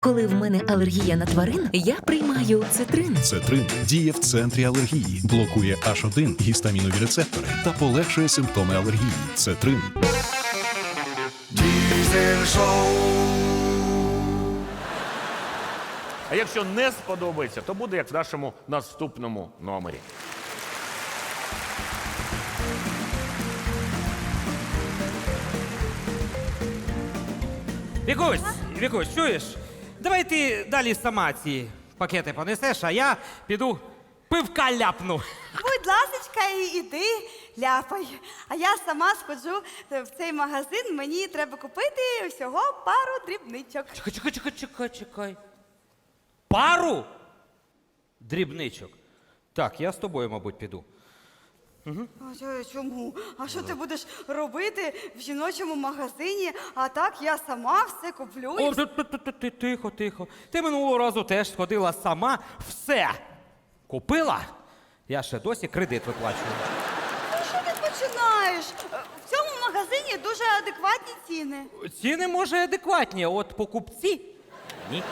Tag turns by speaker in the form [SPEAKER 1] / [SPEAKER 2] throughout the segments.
[SPEAKER 1] Коли в мене алергія на тварин, я приймаю цитрин.
[SPEAKER 2] Цетрин діє в центрі алергії, блокує H1 гістамінові рецептори та полегшує симптоми алергії. Цетрин.
[SPEAKER 3] Diesel Show.
[SPEAKER 4] А якщо не сподобається, то буде як в нашому наступному номері.
[SPEAKER 5] Вікусь, чуєш? Давай ти далі сама ці пакети понесеш, а я піду пивка ляпну.
[SPEAKER 6] Будь ласочка, іди, ляпай. А я сама сходжу в цей магазин, мені треба купити всього пару дрібничок.
[SPEAKER 5] Чекай. Пару дрібничок. Так, я з тобою, мабуть, піду.
[SPEAKER 6] Чому? А що ти будеш робити в жіночому магазині? А так я сама все куплю.
[SPEAKER 5] О, тихо. Ти минулого разу теж сходила сама, все купила. Я ще досі кредит виплачую.
[SPEAKER 6] Ну, що ти починаєш? В цьому магазині дуже адекватні ціни.
[SPEAKER 5] Ціни, може, адекватні, а от покупці – ні.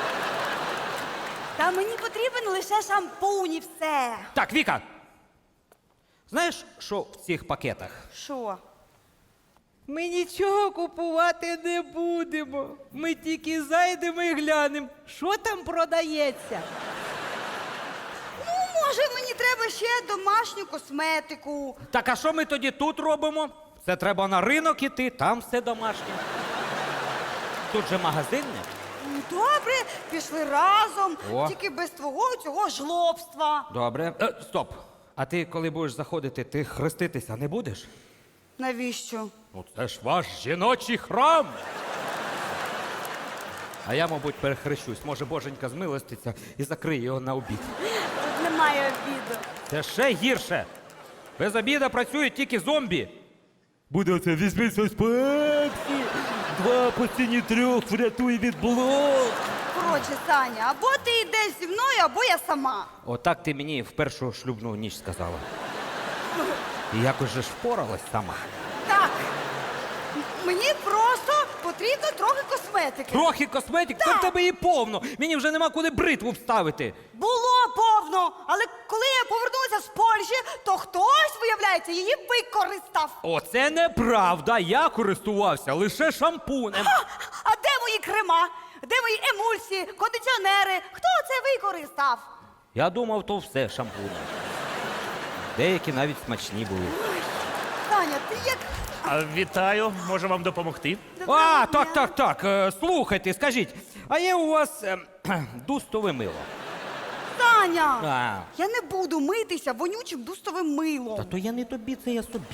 [SPEAKER 6] Та мені потрібен лише шампунь і все.
[SPEAKER 5] Так, Віка, знаєш, що в цих пакетах?
[SPEAKER 6] Що?
[SPEAKER 5] Ми нічого купувати не будемо. Ми тільки зайдемо і глянемо, що там продається.
[SPEAKER 6] Ну, може, мені треба ще домашню косметику.
[SPEAKER 5] Так, а що ми тоді тут робимо? Це треба на ринок іти, там все домашнє. Тут же магазинне.
[SPEAKER 6] Ну, добре, пішли разом,
[SPEAKER 5] О.
[SPEAKER 6] тільки без твого цього жлобства.
[SPEAKER 5] Добре. Стоп. А ти, коли будеш заходити, ти хреститися не будеш?
[SPEAKER 6] Навіщо?
[SPEAKER 5] Ну, це ж ваш жіночий храм. А я, мабуть, перехрещусь. Може, боженька змилоститься і закриє його на обід.
[SPEAKER 6] Тут немає обіду.
[SPEAKER 5] Це ще гірше. Без обіда працюють тільки зомбі. Буде оце візьміть щось пепсі, 2 по ціні 3, врятуй від блок.
[SPEAKER 6] Коротше, Саня, або ти йдеш зі мною, або я сама.
[SPEAKER 5] Отак ти мені в першу шлюбну ніч сказала. І якось же ж впоралась сама.
[SPEAKER 6] Так, мені просто потрібно трохи косметики.
[SPEAKER 5] Трохи косметик,
[SPEAKER 6] Так.
[SPEAKER 5] то в тебе її повно. Мені вже нема куди бритву вставити.
[SPEAKER 6] Було повно, але коли я повернулася з Польщі, то хтось, виявляється, її використав.
[SPEAKER 5] Оце неправда. Я користувався лише шампунем.
[SPEAKER 6] А де мої крема? Де мої емульсії, кондиціонери? Хто це використав?
[SPEAKER 5] Я думав, то все шампунем. Деякі навіть смачні були.
[SPEAKER 6] Саня, ти як...
[SPEAKER 4] Вітаю, можу вам допомогти?
[SPEAKER 5] А, так. Слухайте, скажіть, а є у вас дустове мило?
[SPEAKER 6] Саня!
[SPEAKER 5] А.
[SPEAKER 6] Я не буду митися вонючим дустовим милом.
[SPEAKER 5] Та то я не тобі, це я собі.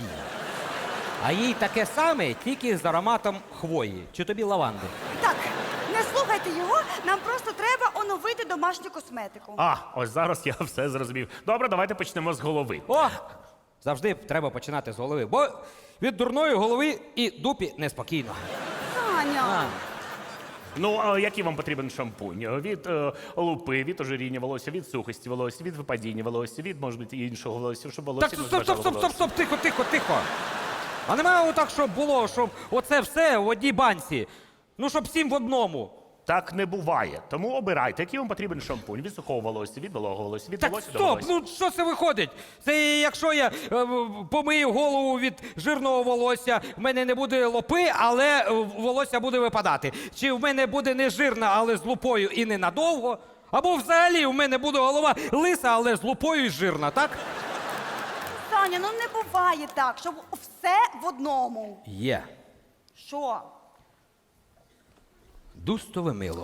[SPEAKER 5] А їй таке саме, тільки з ароматом хвої. Чи тобі лаванди?
[SPEAKER 6] Так, не слухайте його, нам просто треба оновити домашню косметику.
[SPEAKER 4] Ось зараз я все зрозумів. Добре, давайте почнемо з голови.
[SPEAKER 5] О! Завжди треба починати з голови, бо від дурної голови і дупі неспокійно.
[SPEAKER 6] Саня!
[SPEAKER 4] Ну, а який вам потрібен шампунь? Від лупи, від ожиріння волосся, від сухості волосся, від випадіння волосся, від, може бути, іншого волосся, щоб волосся
[SPEAKER 5] Так,
[SPEAKER 4] не зважало волосся.
[SPEAKER 5] стоп, тихо. А немає отак, щоб було, щоб оце все в одній банці. Ну, щоб 7 в одному.
[SPEAKER 4] Так не буває. Тому обирайте, який вам потрібен шампунь. Від сухого волосся, від вологого волосся, від
[SPEAKER 5] Так,
[SPEAKER 4] волосся до
[SPEAKER 5] стоп,
[SPEAKER 4] волосся.
[SPEAKER 5] ну що це виходить? Це якщо я помию голову від жирного волосся, в мене не буде лопи, але волосся буде випадати. Чи в мене буде не жирна, але з лупою і ненадовго? Або взагалі в мене буде голова лиса, але з лупою і жирна, так?
[SPEAKER 6] Саня, ну не буває так, щоб все в одному.
[SPEAKER 5] Є.
[SPEAKER 6] Що?
[SPEAKER 5] Дустове мило.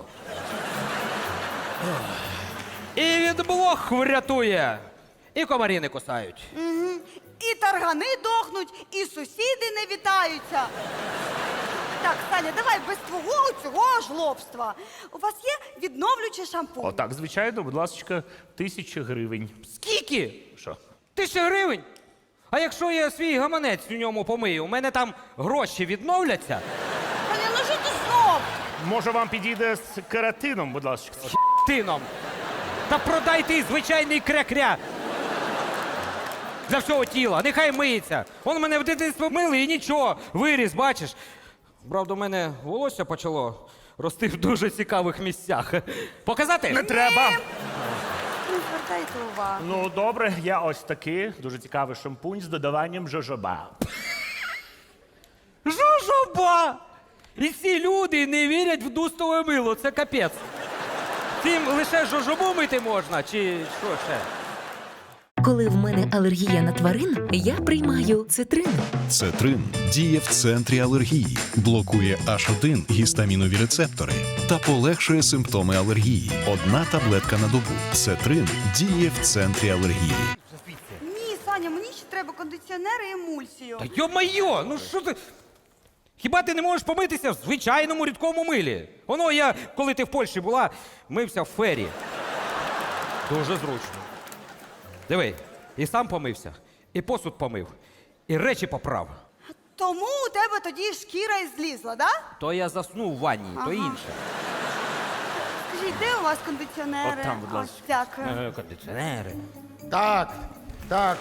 [SPEAKER 5] І від блох врятує. І комарі не кусають.
[SPEAKER 6] І таргани дохнуть, і сусіди не вітаються. Так, Саня, давай без твого цього жлобства. У вас є відновлюючий шампунь?
[SPEAKER 4] Отак, звичайно, будь ласка, 1000 гривень.
[SPEAKER 5] Скільки?
[SPEAKER 4] Що?
[SPEAKER 5] 1000 гривень? А якщо я свій гаманець у ньому помию, у мене там гроші відновляться?
[SPEAKER 6] Саня, ну що ти знов?
[SPEAKER 4] Може, вам підійде з кератином, будь ласка?
[SPEAKER 5] Тином. Та продайте і звичайний кря-кря. Для всього тіла, нехай миється. Он мене в дитинстві мили і нічого. Виріс, бачиш. Правда, у мене волосся почало рости в дуже цікавих місцях. Показати?
[SPEAKER 4] Не треба.
[SPEAKER 6] Не звертайте увагу.
[SPEAKER 4] Ну, добре, я ось такий дуже цікавий шампунь з додаванням жожоба.
[SPEAKER 5] Жожоба! І ці люди не вірять в дустове мило, це капець. Цим лише жожобу мити можна, чи що ще?
[SPEAKER 1] Коли в мене алергія на тварин, я приймаю цитрин.
[SPEAKER 2] Цетрин діє в центрі алергії, блокує H1 гістамінові рецептори та полегшує симптоми алергії. Одна таблетка на добу. Цетрин діє в центрі алергії.
[SPEAKER 6] Ні, Саня, мені ще треба кондиціонер і емульсію.
[SPEAKER 5] Та йо-майо, ну що ти? Хіба ти не можеш помитися в звичайному рідкому милі? Воно я, коли ти в Польщі була, мився в фері. Дуже зручно. Диви, і сам помився, і посуд помив, і речі поправ.
[SPEAKER 6] Тому у тебе тоді шкіра і злізла, да?
[SPEAKER 5] То я заснув в ванні, то інше.
[SPEAKER 6] Скажіть, де у вас кондиціонери?
[SPEAKER 4] От там, будь ласка.
[SPEAKER 6] Ось, дякую.
[SPEAKER 5] Кондиціонери.
[SPEAKER 3] Так, так.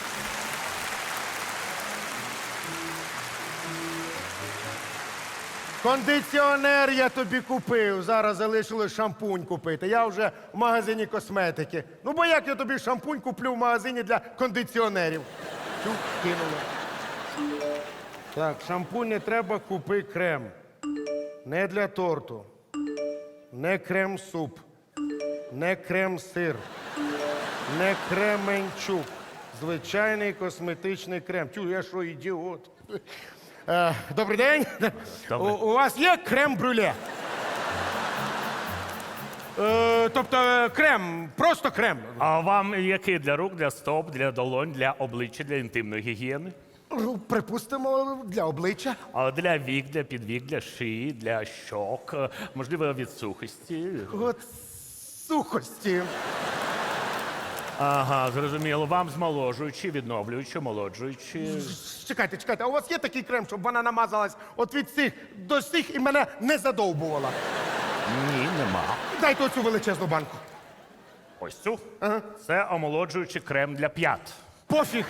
[SPEAKER 3] Кондиціонер я тобі купив. Зараз залишилось шампунь купити. Я вже в магазині косметики. Ну, бо як я тобі шампунь куплю в магазині для кондиціонерів? Чув, кинула. Так, шампунь не треба, купи крем. Не для торту. Не крем-суп. Не крем-сир. Не кременчук. Звичайний косметичний крем. Чу, я що, ідіот? Добрий день.
[SPEAKER 4] Добрий.
[SPEAKER 3] У вас є крем-брюле? Тобто крем, просто крем.
[SPEAKER 4] А вам який для рук, для стоп, для долонь, для обличчя, для інтимної гігієни?
[SPEAKER 3] Ну, припустимо, для обличчя.
[SPEAKER 4] А для вік, для підвік, для шиї, для щок, можливо, від сухості.
[SPEAKER 3] От сухості.
[SPEAKER 4] Ага, зрозуміло. Вам змоложуючи, відновлюючи, омолоджуючи.
[SPEAKER 3] Чекайте, чекайте, а у вас є такий крем, щоб вона намазалась от від цих до цих і мене не задовбувала?
[SPEAKER 4] Ні, нема.
[SPEAKER 3] Дайте оцю величезну банку.
[SPEAKER 4] Ось цю. Це омолоджуючий крем для п'ят.
[SPEAKER 3] Пофіг.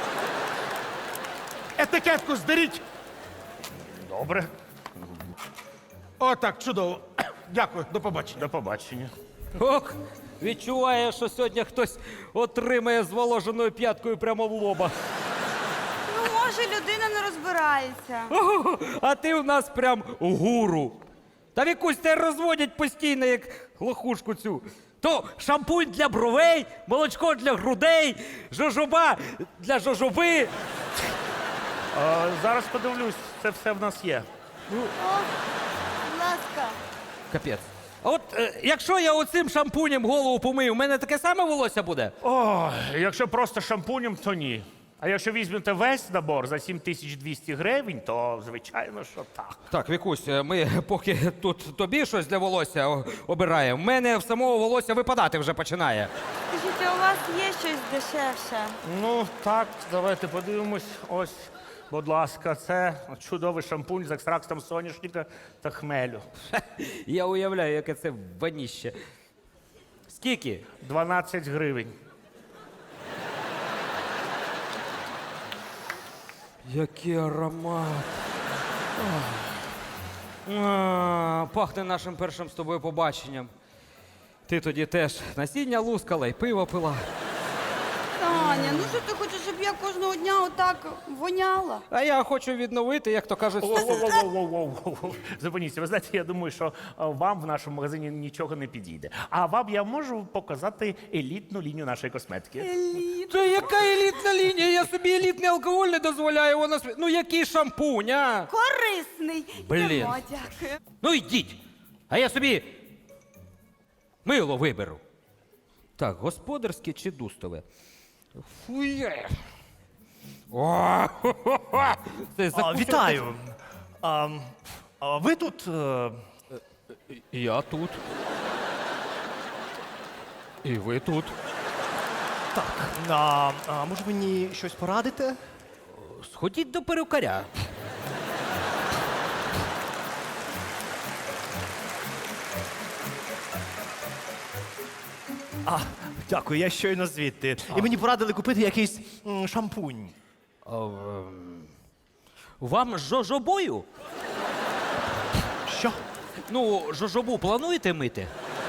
[SPEAKER 3] Етикетку здеріть.
[SPEAKER 4] Добре,
[SPEAKER 3] Отак, чудово. Дякую, до побачення.
[SPEAKER 4] до побачення.
[SPEAKER 5] Ох, відчуває, що сьогодні хтось отримає зволоженою п'яткою прямо в лоба.
[SPEAKER 6] Ну, може, людина не розбирається.
[SPEAKER 5] Ого, а ти у нас прям гуру. Та Вікусь, тебе розводять постійно, як лохушку цю. То шампунь для бровей, молочко для грудей, жожоба для жожоби.
[SPEAKER 4] Зараз подивлюсь, це все в нас є.
[SPEAKER 6] О, будь ласка.
[SPEAKER 5] Капець. А от якщо я оцим шампунем голову помию, у мене таке саме волосся буде?
[SPEAKER 4] О, якщо просто шампунем, то ні. А якщо візьмете весь набор за 7200 гривень, то звичайно, що так.
[SPEAKER 5] Так, Вікусь, ми поки тут тобі щось для волосся обираємо, в мене в самого волосся випадати вже починає.
[SPEAKER 6] Скажіть, а у вас є щось дешевше?
[SPEAKER 4] Ну, так, давайте подивимось. Ось, будь ласка, це чудовий шампунь з екстрактом соняшника та хмелю.
[SPEAKER 5] Я уявляю, яке це ваніще. Скільки?
[SPEAKER 4] 12 гривень.
[SPEAKER 5] Який аромат. Пахне нашим першим з тобою побаченням. Ти тоді теж насіння лускала і пиво пила.
[SPEAKER 6] Таня, ну що ти хочеш, щоб я кожного дня отак воняла?
[SPEAKER 5] А я хочу відновити, як то кажуть,
[SPEAKER 4] Воу-воу-воу-воу-воу. Зупиніться, ви знаєте, я думаю, що вам в нашому магазині нічого не підійде. А вам я можу показати елітну лінію нашої косметики.
[SPEAKER 5] Це яка елітна лінія? Я собі елітний алкоголь не дозволяю. Ну який шампунь, а?
[SPEAKER 6] Корисний.
[SPEAKER 5] Блін.
[SPEAKER 6] Йдемо, дякую.
[SPEAKER 5] Ну йдіть. А я собі мило виберу. Так, господарське чи дустове? Фує. О, це
[SPEAKER 7] Вітаю. Ви тут?
[SPEAKER 5] Я тут. І ви тут.
[SPEAKER 7] Може мені щось порадите?
[SPEAKER 5] Сходіть до перукаря.
[SPEAKER 7] Дякую, я щойно звідти. І мені порадили купити якийсь шампунь.
[SPEAKER 5] Вам з жожобою?
[SPEAKER 7] Що?
[SPEAKER 5] Ну, жожобу плануєте мити?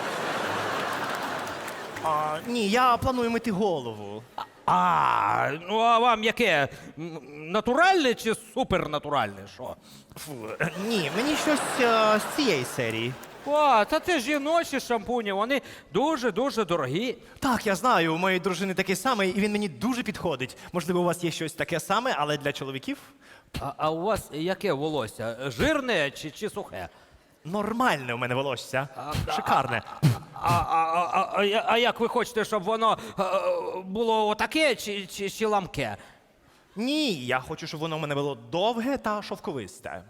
[SPEAKER 7] Ні, я планую мити голову.
[SPEAKER 5] Ну а вам яке? Натуральне чи супернатуральне? Що?
[SPEAKER 7] Ні, мені щось з цієї серії.
[SPEAKER 5] О, та це жіночі шампуні, вони дуже-дуже дорогі.
[SPEAKER 7] Так, я знаю, у моєї дружини такий самий, і він мені дуже підходить. Можливо, у вас є щось таке саме, але для чоловіків
[SPEAKER 5] А у вас яке волосся? Жирне чи сухе?
[SPEAKER 7] нормальне у мене волосся. Шикарне.
[SPEAKER 5] А як ви хочете, щоб воно було отаке чи ламке?
[SPEAKER 7] Ні, я хочу, щоб воно у мене було довге та шовковисте.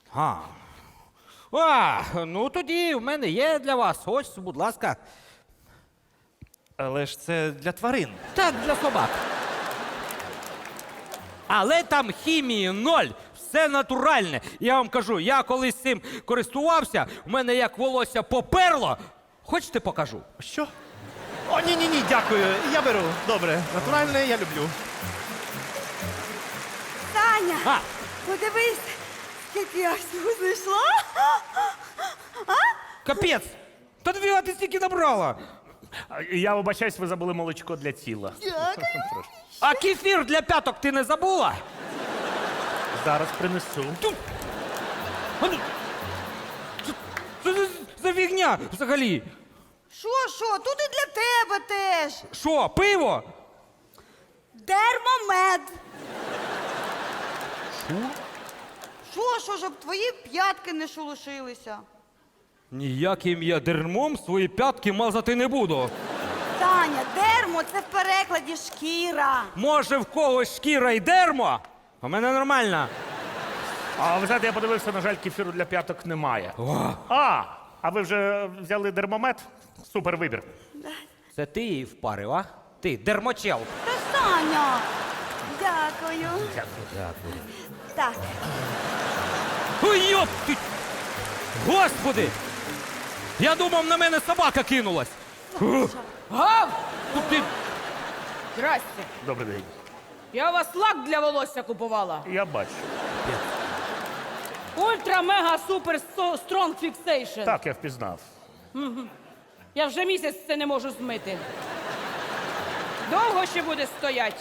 [SPEAKER 5] Ну тоді в мене є для вас. Ось, будь ласка.
[SPEAKER 7] Але ж це для тварин.
[SPEAKER 5] Так, для собак. Але там хімії ноль, все натуральне. Я вам кажу, я колись цим користувався, в мене як волосся поперло. Хочете покажу?
[SPEAKER 7] Що? О, ні, дякую. Я беру. Добре, натуральне я люблю.
[SPEAKER 6] Таня, подивись, скільки я всього знайшла.
[SPEAKER 5] Капець! Та двіга ти стільки набрала.
[SPEAKER 4] Я вибачаюсь, ви забули молочко для тіла.
[SPEAKER 6] Дякую.
[SPEAKER 5] А кефір для п'яток ти не забула?
[SPEAKER 4] Зараз принесу.
[SPEAKER 5] Що це за фігня взагалі?
[SPEAKER 6] Що? Тут і для тебе теж.
[SPEAKER 5] Що, пиво?
[SPEAKER 6] Дермомед. Що, щоб твої п'ятки не шелушилися.
[SPEAKER 5] Ніяким я дермом свої п'ятки мазати не буду.
[SPEAKER 6] Таня, дермо це в перекладі шкіра.
[SPEAKER 5] Може, в когось шкіра й дермо? У мене нормальна.
[SPEAKER 4] А ви знаєте, я подивився, на жаль, кефіру для п'яток немає. А ви вже взяли дермомет? Супер вибір.
[SPEAKER 5] Це ти її впарив, а? Ти, дермочел.
[SPEAKER 6] Та Таня. Дякую.
[SPEAKER 5] Дякую.
[SPEAKER 6] Так.
[SPEAKER 5] Ой, йоп ти! Господи! Я думав, на мене собака кинулась.
[SPEAKER 8] Гав!
[SPEAKER 5] Тут ти...
[SPEAKER 8] Здрасте.
[SPEAKER 4] Добрий день.
[SPEAKER 8] Я у вас лак для волосся купувала.
[SPEAKER 4] Я бачу.
[SPEAKER 8] Ультра мега супер стронг фіксейшн.
[SPEAKER 4] Так, я впізнав.
[SPEAKER 8] Я вже місяць це не можу змити. Довго ще буде стоять.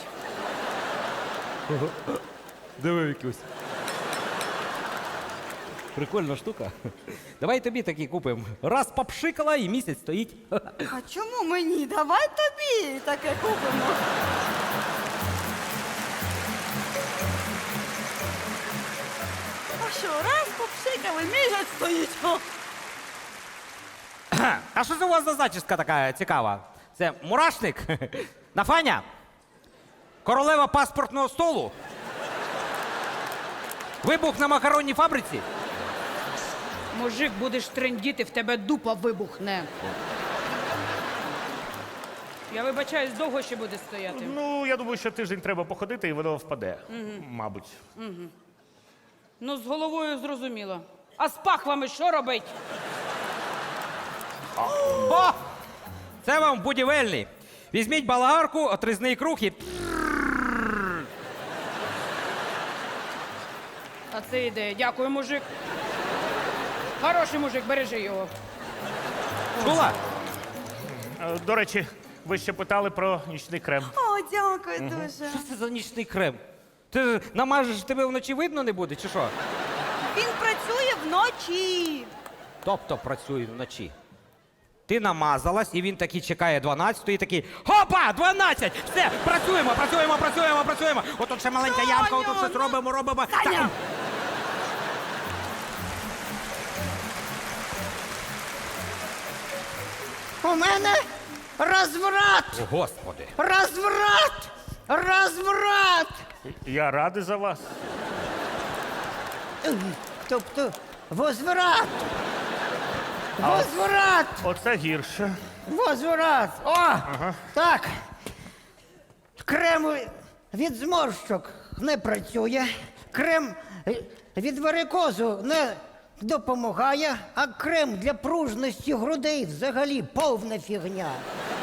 [SPEAKER 5] Диви, Вікусь. Прикольна штука. Давай тобі такі купимо. Раз попшикала і місяць стоїть.
[SPEAKER 6] А чому мені? Давай тобі таке купимо. А що, раз попшикали, місяць стоїть. О.
[SPEAKER 5] А що це у вас за зачіска така цікава? Це мурашник? Нафаня? Королева паспортного столу? Вибух на макаронній фабриці?
[SPEAKER 8] Мужик, будеш трендіти, в тебе дупа вибухне. Я вибачаюсь, довго ще буде стояти.
[SPEAKER 4] Ну, я думаю, що тиждень треба походити, і воно впаде. Мабуть.
[SPEAKER 8] Ну, з головою зрозуміло. А з пахвами що робить?
[SPEAKER 5] О! Це вам будівельний. Візьміть балагарку, отрізний круг і...
[SPEAKER 8] А це ідея. Дякую, мужик. Хороший мужик, бережи його.
[SPEAKER 5] Чула?
[SPEAKER 4] До речі, ви ще питали про нічний крем.
[SPEAKER 6] О, дякую дуже.
[SPEAKER 5] Що це за нічний крем? Ти намажеш, тебе вночі видно не буде, чи що?
[SPEAKER 6] Він працює вночі.
[SPEAKER 5] Тобто працює вночі. Ти намазалась, і він такий чекає 12-ї, і такий хопа, 12! Все, працюємо! Отут ще маленька ямка, отут щось робимо.
[SPEAKER 6] Таня!
[SPEAKER 9] У мене розврат!
[SPEAKER 5] О, Господи!
[SPEAKER 9] Розврат! Розврат!
[SPEAKER 4] Я радий за вас.
[SPEAKER 9] Тобто возврат! Возврат!
[SPEAKER 4] Оце гірше.
[SPEAKER 9] Возврат! О! Так. Крем від зморщок не працює. Крем від варикозу не допомагає, а крем для пружності грудей взагалі повна фігня.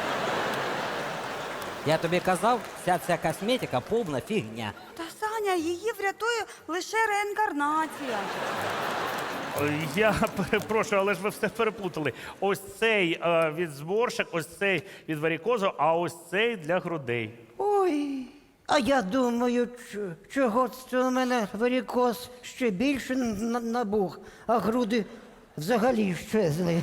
[SPEAKER 5] Я тобі казав, вся ця косметика повна фігня.
[SPEAKER 6] Та Саня, її врятує лише реінкарнація.
[SPEAKER 4] Я перепрошую, але ж ви все переплутали. Ось цей від зморшок, ось цей від варікозу, а ось цей для грудей.
[SPEAKER 9] Ой, а я думаю, чого це у мене варікоз ще більше набух, а груди взагалі щезли.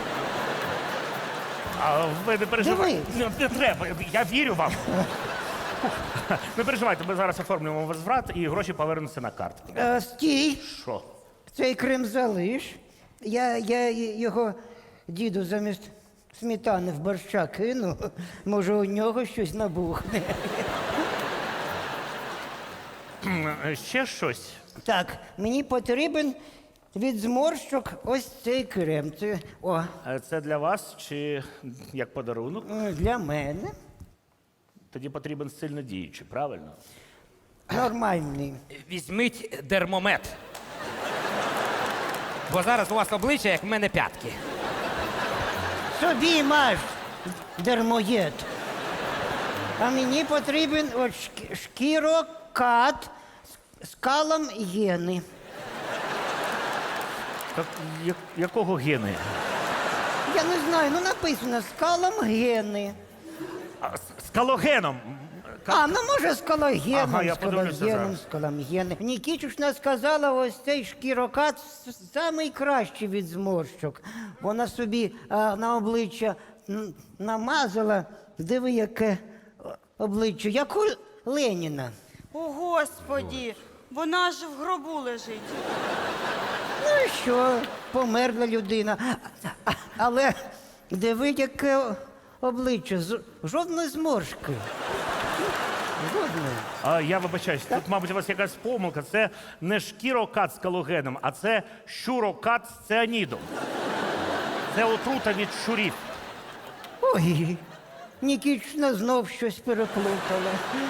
[SPEAKER 4] А ви не переживайте.
[SPEAKER 9] Диви.
[SPEAKER 4] Не треба, я вірю вам. Не переживайте, ми зараз оформлюємо возврат і гроші повернуться на картку.
[SPEAKER 9] Стій,
[SPEAKER 4] Що?
[SPEAKER 9] цей крем залиш. Я його діду замість сметани в борща кину. Може, у нього щось набухне.
[SPEAKER 4] Ще щось?
[SPEAKER 9] Так, мені потрібен від зморщок ось цей крем.
[SPEAKER 4] Це для вас чи як подарунок?
[SPEAKER 9] Для мене
[SPEAKER 4] Тоді потрібен сильно діючий, правильно?
[SPEAKER 9] нормальний.
[SPEAKER 5] Візьміть дермомет. Бо зараз у вас обличчя, як в мене п'ятки.
[SPEAKER 9] Собі маш дермоєд. А мені потрібен от шкірокат з калом гени.
[SPEAKER 4] Так, якого гени?
[SPEAKER 9] Я не знаю, ну написано з калом гени.
[SPEAKER 4] З калогеном.
[SPEAKER 9] Ну може з колагеном,
[SPEAKER 4] Ага, я
[SPEAKER 9] з
[SPEAKER 4] подивлюся
[SPEAKER 9] колагеном,
[SPEAKER 4] зараз.
[SPEAKER 9] з колагеном. Нікітюшна сказала, ось цей шкірокат самий кращий від зморщок. Вона собі на обличчя намазала, диви, яке обличчя, як у Леніна.
[SPEAKER 6] О, Господі, вона ж в гробу лежить.
[SPEAKER 9] Ну і що, померла людина. Але диви, яке обличчя, жодної зморшки. Жодної.
[SPEAKER 4] Я вибачаюсь, тут, мабуть, у вас якась помилка. Це не шкірокат з калогеном, а це щурокат з цианідом. Це отрута від щурів.
[SPEAKER 9] Ой, Нікічна знов щось переплутала.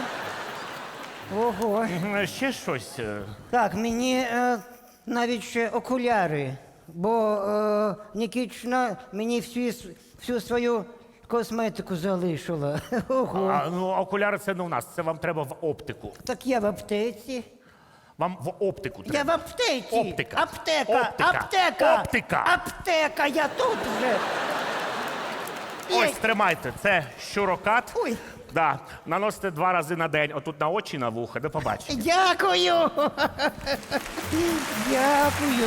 [SPEAKER 9] Ого.
[SPEAKER 4] Ще щось.
[SPEAKER 9] Так, мені навіть ще окуляри, бо Нікічна мені всю свою косметику залишила. Ого.
[SPEAKER 4] Ну, окуляри це не у нас, це вам треба в оптику.
[SPEAKER 9] Так я в аптеці.
[SPEAKER 4] Вам в оптику треба.
[SPEAKER 9] Я в аптеці.
[SPEAKER 4] Оптика.
[SPEAKER 9] Аптека.
[SPEAKER 4] Оптика.
[SPEAKER 9] Аптека.
[SPEAKER 4] Оптика.
[SPEAKER 9] Аптека, я тут вже.
[SPEAKER 4] Ось, тримайте, це щурокат.
[SPEAKER 9] Ой.
[SPEAKER 4] Да, наносите 2 рази на день, отут на очі, на вуха, до побачення.
[SPEAKER 9] Дякую. Дякую.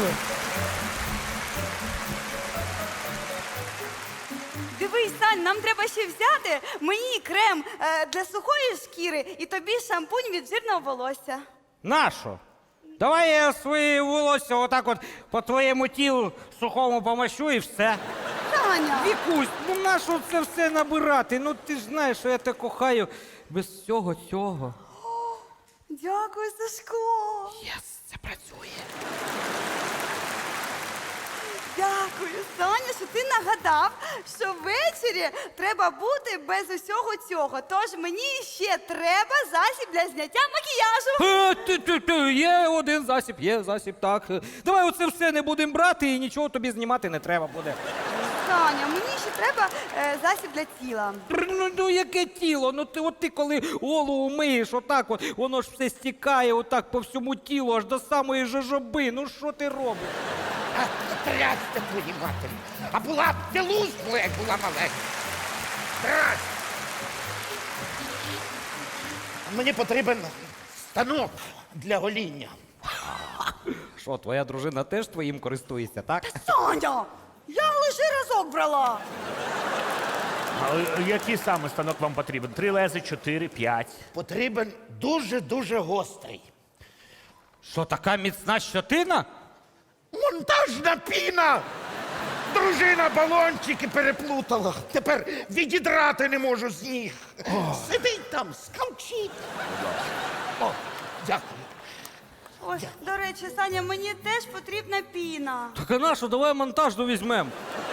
[SPEAKER 6] Дивись, Сань, нам треба ще взяти мені крем для сухої шкіри і тобі шампунь від жирного волосся.
[SPEAKER 5] Нащо? Давай я своє волосся отак от по твоєму тілу сухому помащу і все.
[SPEAKER 6] Саня!
[SPEAKER 5] Вікусь, ну нащо це все набирати? Ну ти ж знаєш, що я тебе кохаю без всього цього.
[SPEAKER 6] Дякую, Сашко!
[SPEAKER 5] Єс, це працює.
[SPEAKER 6] Дякую, Саня, що ти нагадав, що ввечері треба бути без усього цього. Тож мені ще треба засіб для зняття макіяжу.
[SPEAKER 5] Є один засіб, є засіб, так. Давай оце все не будемо брати і нічого тобі знімати не треба буде.
[SPEAKER 6] Саня, мені ще треба засіб для тіла.
[SPEAKER 5] Ну яке тіло? Ну ти коли голову миєш, отак от, воно ж все стікає отак по всьому тілу, аж до самої жожоби. Ну що ти робиш?
[SPEAKER 10] Трясся твої матері. А була б ти лузгла, як була маленька. Трясся. Мені потрібен станок для гоління.
[SPEAKER 5] Що, твоя дружина теж твоїм користується, так?
[SPEAKER 6] Саня! Я лише разок брала.
[SPEAKER 4] А який саме станок вам потрібен? 3 лези, 4, 5?
[SPEAKER 10] Потрібен дуже-дуже гострий.
[SPEAKER 5] Що, така міцна щотина?
[SPEAKER 10] Монтажна піна! Дружина балончики переплутала. Тепер відідрати не можу з ніг. Сидить там, скавчить. О, дякую.
[SPEAKER 6] Ось, до речі, Саня, мені теж потрібна піна.
[SPEAKER 5] Так а нащо, давай монтажну візьмемо.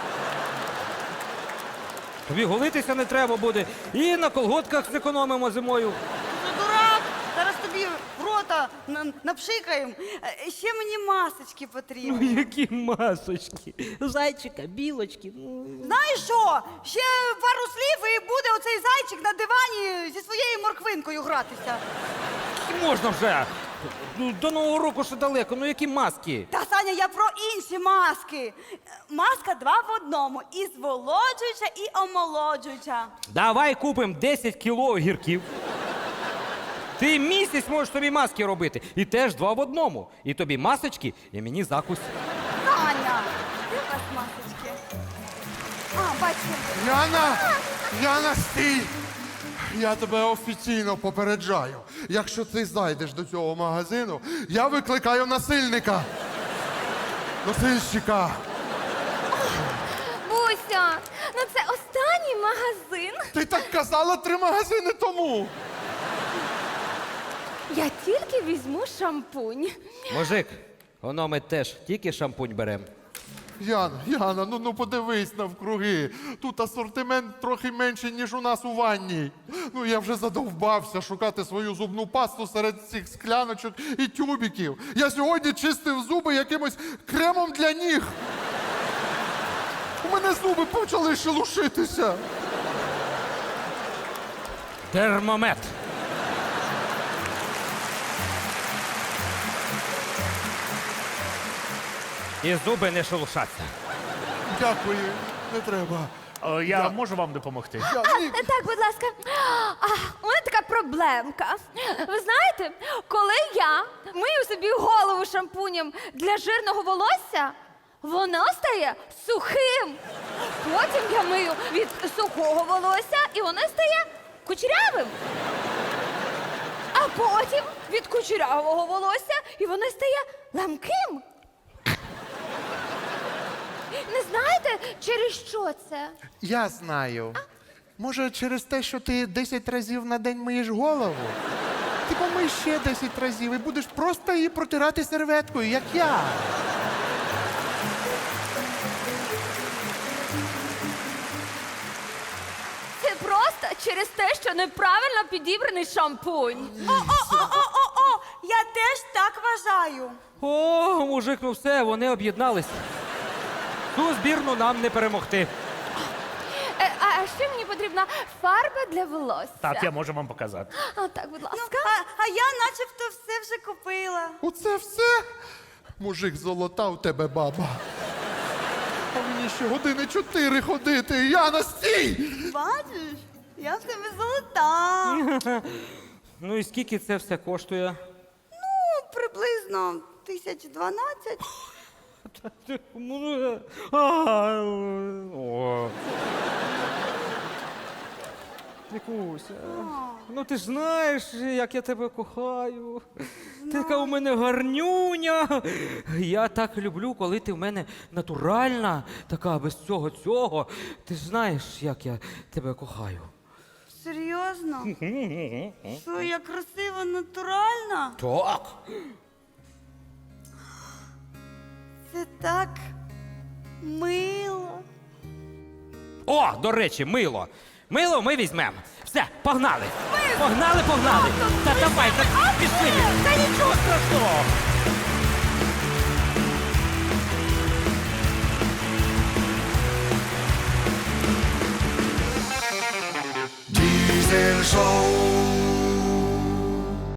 [SPEAKER 5] Тобі голитися не треба буде. І на колготках зекономимо зимою.
[SPEAKER 6] Ти дурак? Зараз тобі в рота напшикаємо. Ще мені масочки потрібні.
[SPEAKER 5] Які масочки. Зайчика, білочки.
[SPEAKER 6] Знаєш що? Ще пару слів і буде оцей зайчик на дивані зі своєю морквинкою гратися.
[SPEAKER 5] Можна вже. До Нового року ще далеко, ну які маски?
[SPEAKER 6] Та, Саня, Саня, я про інші маски. Маска 2 в одному. І зволоджуюча, і омолоджуюча.
[SPEAKER 5] Давай купимо 10 кіло огірків. Ти місяць можеш собі маски робити. І теж 2 в одному. І тобі масочки, і мені закусь.
[SPEAKER 6] Саня, де у вас масочки? А, бачу.
[SPEAKER 11] Яна, стій! Я тебе офіційно попереджаю. Якщо ти зайдеш до цього магазину, я викликаю насильника. Носильщика.
[SPEAKER 12] Буся, ну це останній магазин.
[SPEAKER 11] Ти так казала 3 магазини тому.
[SPEAKER 12] Я тільки візьму шампунь.
[SPEAKER 5] Мужик, воно ми теж тільки шампунь беремо.
[SPEAKER 11] Яна, ну подивись навкруги. Тут асортимент трохи менший, ніж у нас у ванній. Ну я вже задовбався шукати свою зубну пасту серед цих скляночок і тюбіків. Я сьогодні чистив зуби якимось кремом для ніг. У мене зуби почали шелушитися.
[SPEAKER 5] Термомет. І зуби не шелушаться.
[SPEAKER 11] Дякую, не треба.
[SPEAKER 4] Я можу вам допомогти?
[SPEAKER 12] Так, будь ласка. У мене така проблемка. Ви знаєте, коли я мию собі голову шампунем для жирного волосся, воно стає сухим. Потім я мию від сухого волосся, і воно стає кучерявим. А потім від кучерявого волосся, і воно стає ламким. Не знаєте, через що це?
[SPEAKER 11] Я знаю. Може, через те, що ти 10 разів на день миєш голову? Ти помий ще 10 разів і будеш просто її протирати серветкою, як я.
[SPEAKER 12] Це просто через те, що неправильно підібраний шампунь.
[SPEAKER 6] О, я теж так вважаю.
[SPEAKER 5] О, мужик, ну все, вони об'єднались. Ту збірну нам не перемогти.
[SPEAKER 12] А ще мені потрібна фарба для волосся.
[SPEAKER 4] Так, я можу вам показати.
[SPEAKER 12] А, так, будь ласка.
[SPEAKER 6] А я начебто все вже купила.
[SPEAKER 11] Оце все? Мужик, золота у тебе баба. А мені ще години 4 ходити. Яна, стій!
[SPEAKER 6] Бачиш, я в тебе золота.
[SPEAKER 5] Ну і скільки це все коштує?
[SPEAKER 6] Ну, приблизно 1012.
[SPEAKER 5] О. Вікуся, ну ти ж знаєш, як я тебе кохаю. Ти така у мене гарнюня. Я так люблю, коли ти в мене натуральна, така без цього. Ти ж знаєш, як я тебе кохаю.
[SPEAKER 6] Серйозно? Що, я красива, натуральна?
[SPEAKER 5] Так.
[SPEAKER 6] Це так мило.
[SPEAKER 5] О, до речі, мило. Мило ми візьмемо. Все, погнали. Погнали. Та давай, пішли.
[SPEAKER 4] Та нічого страшного.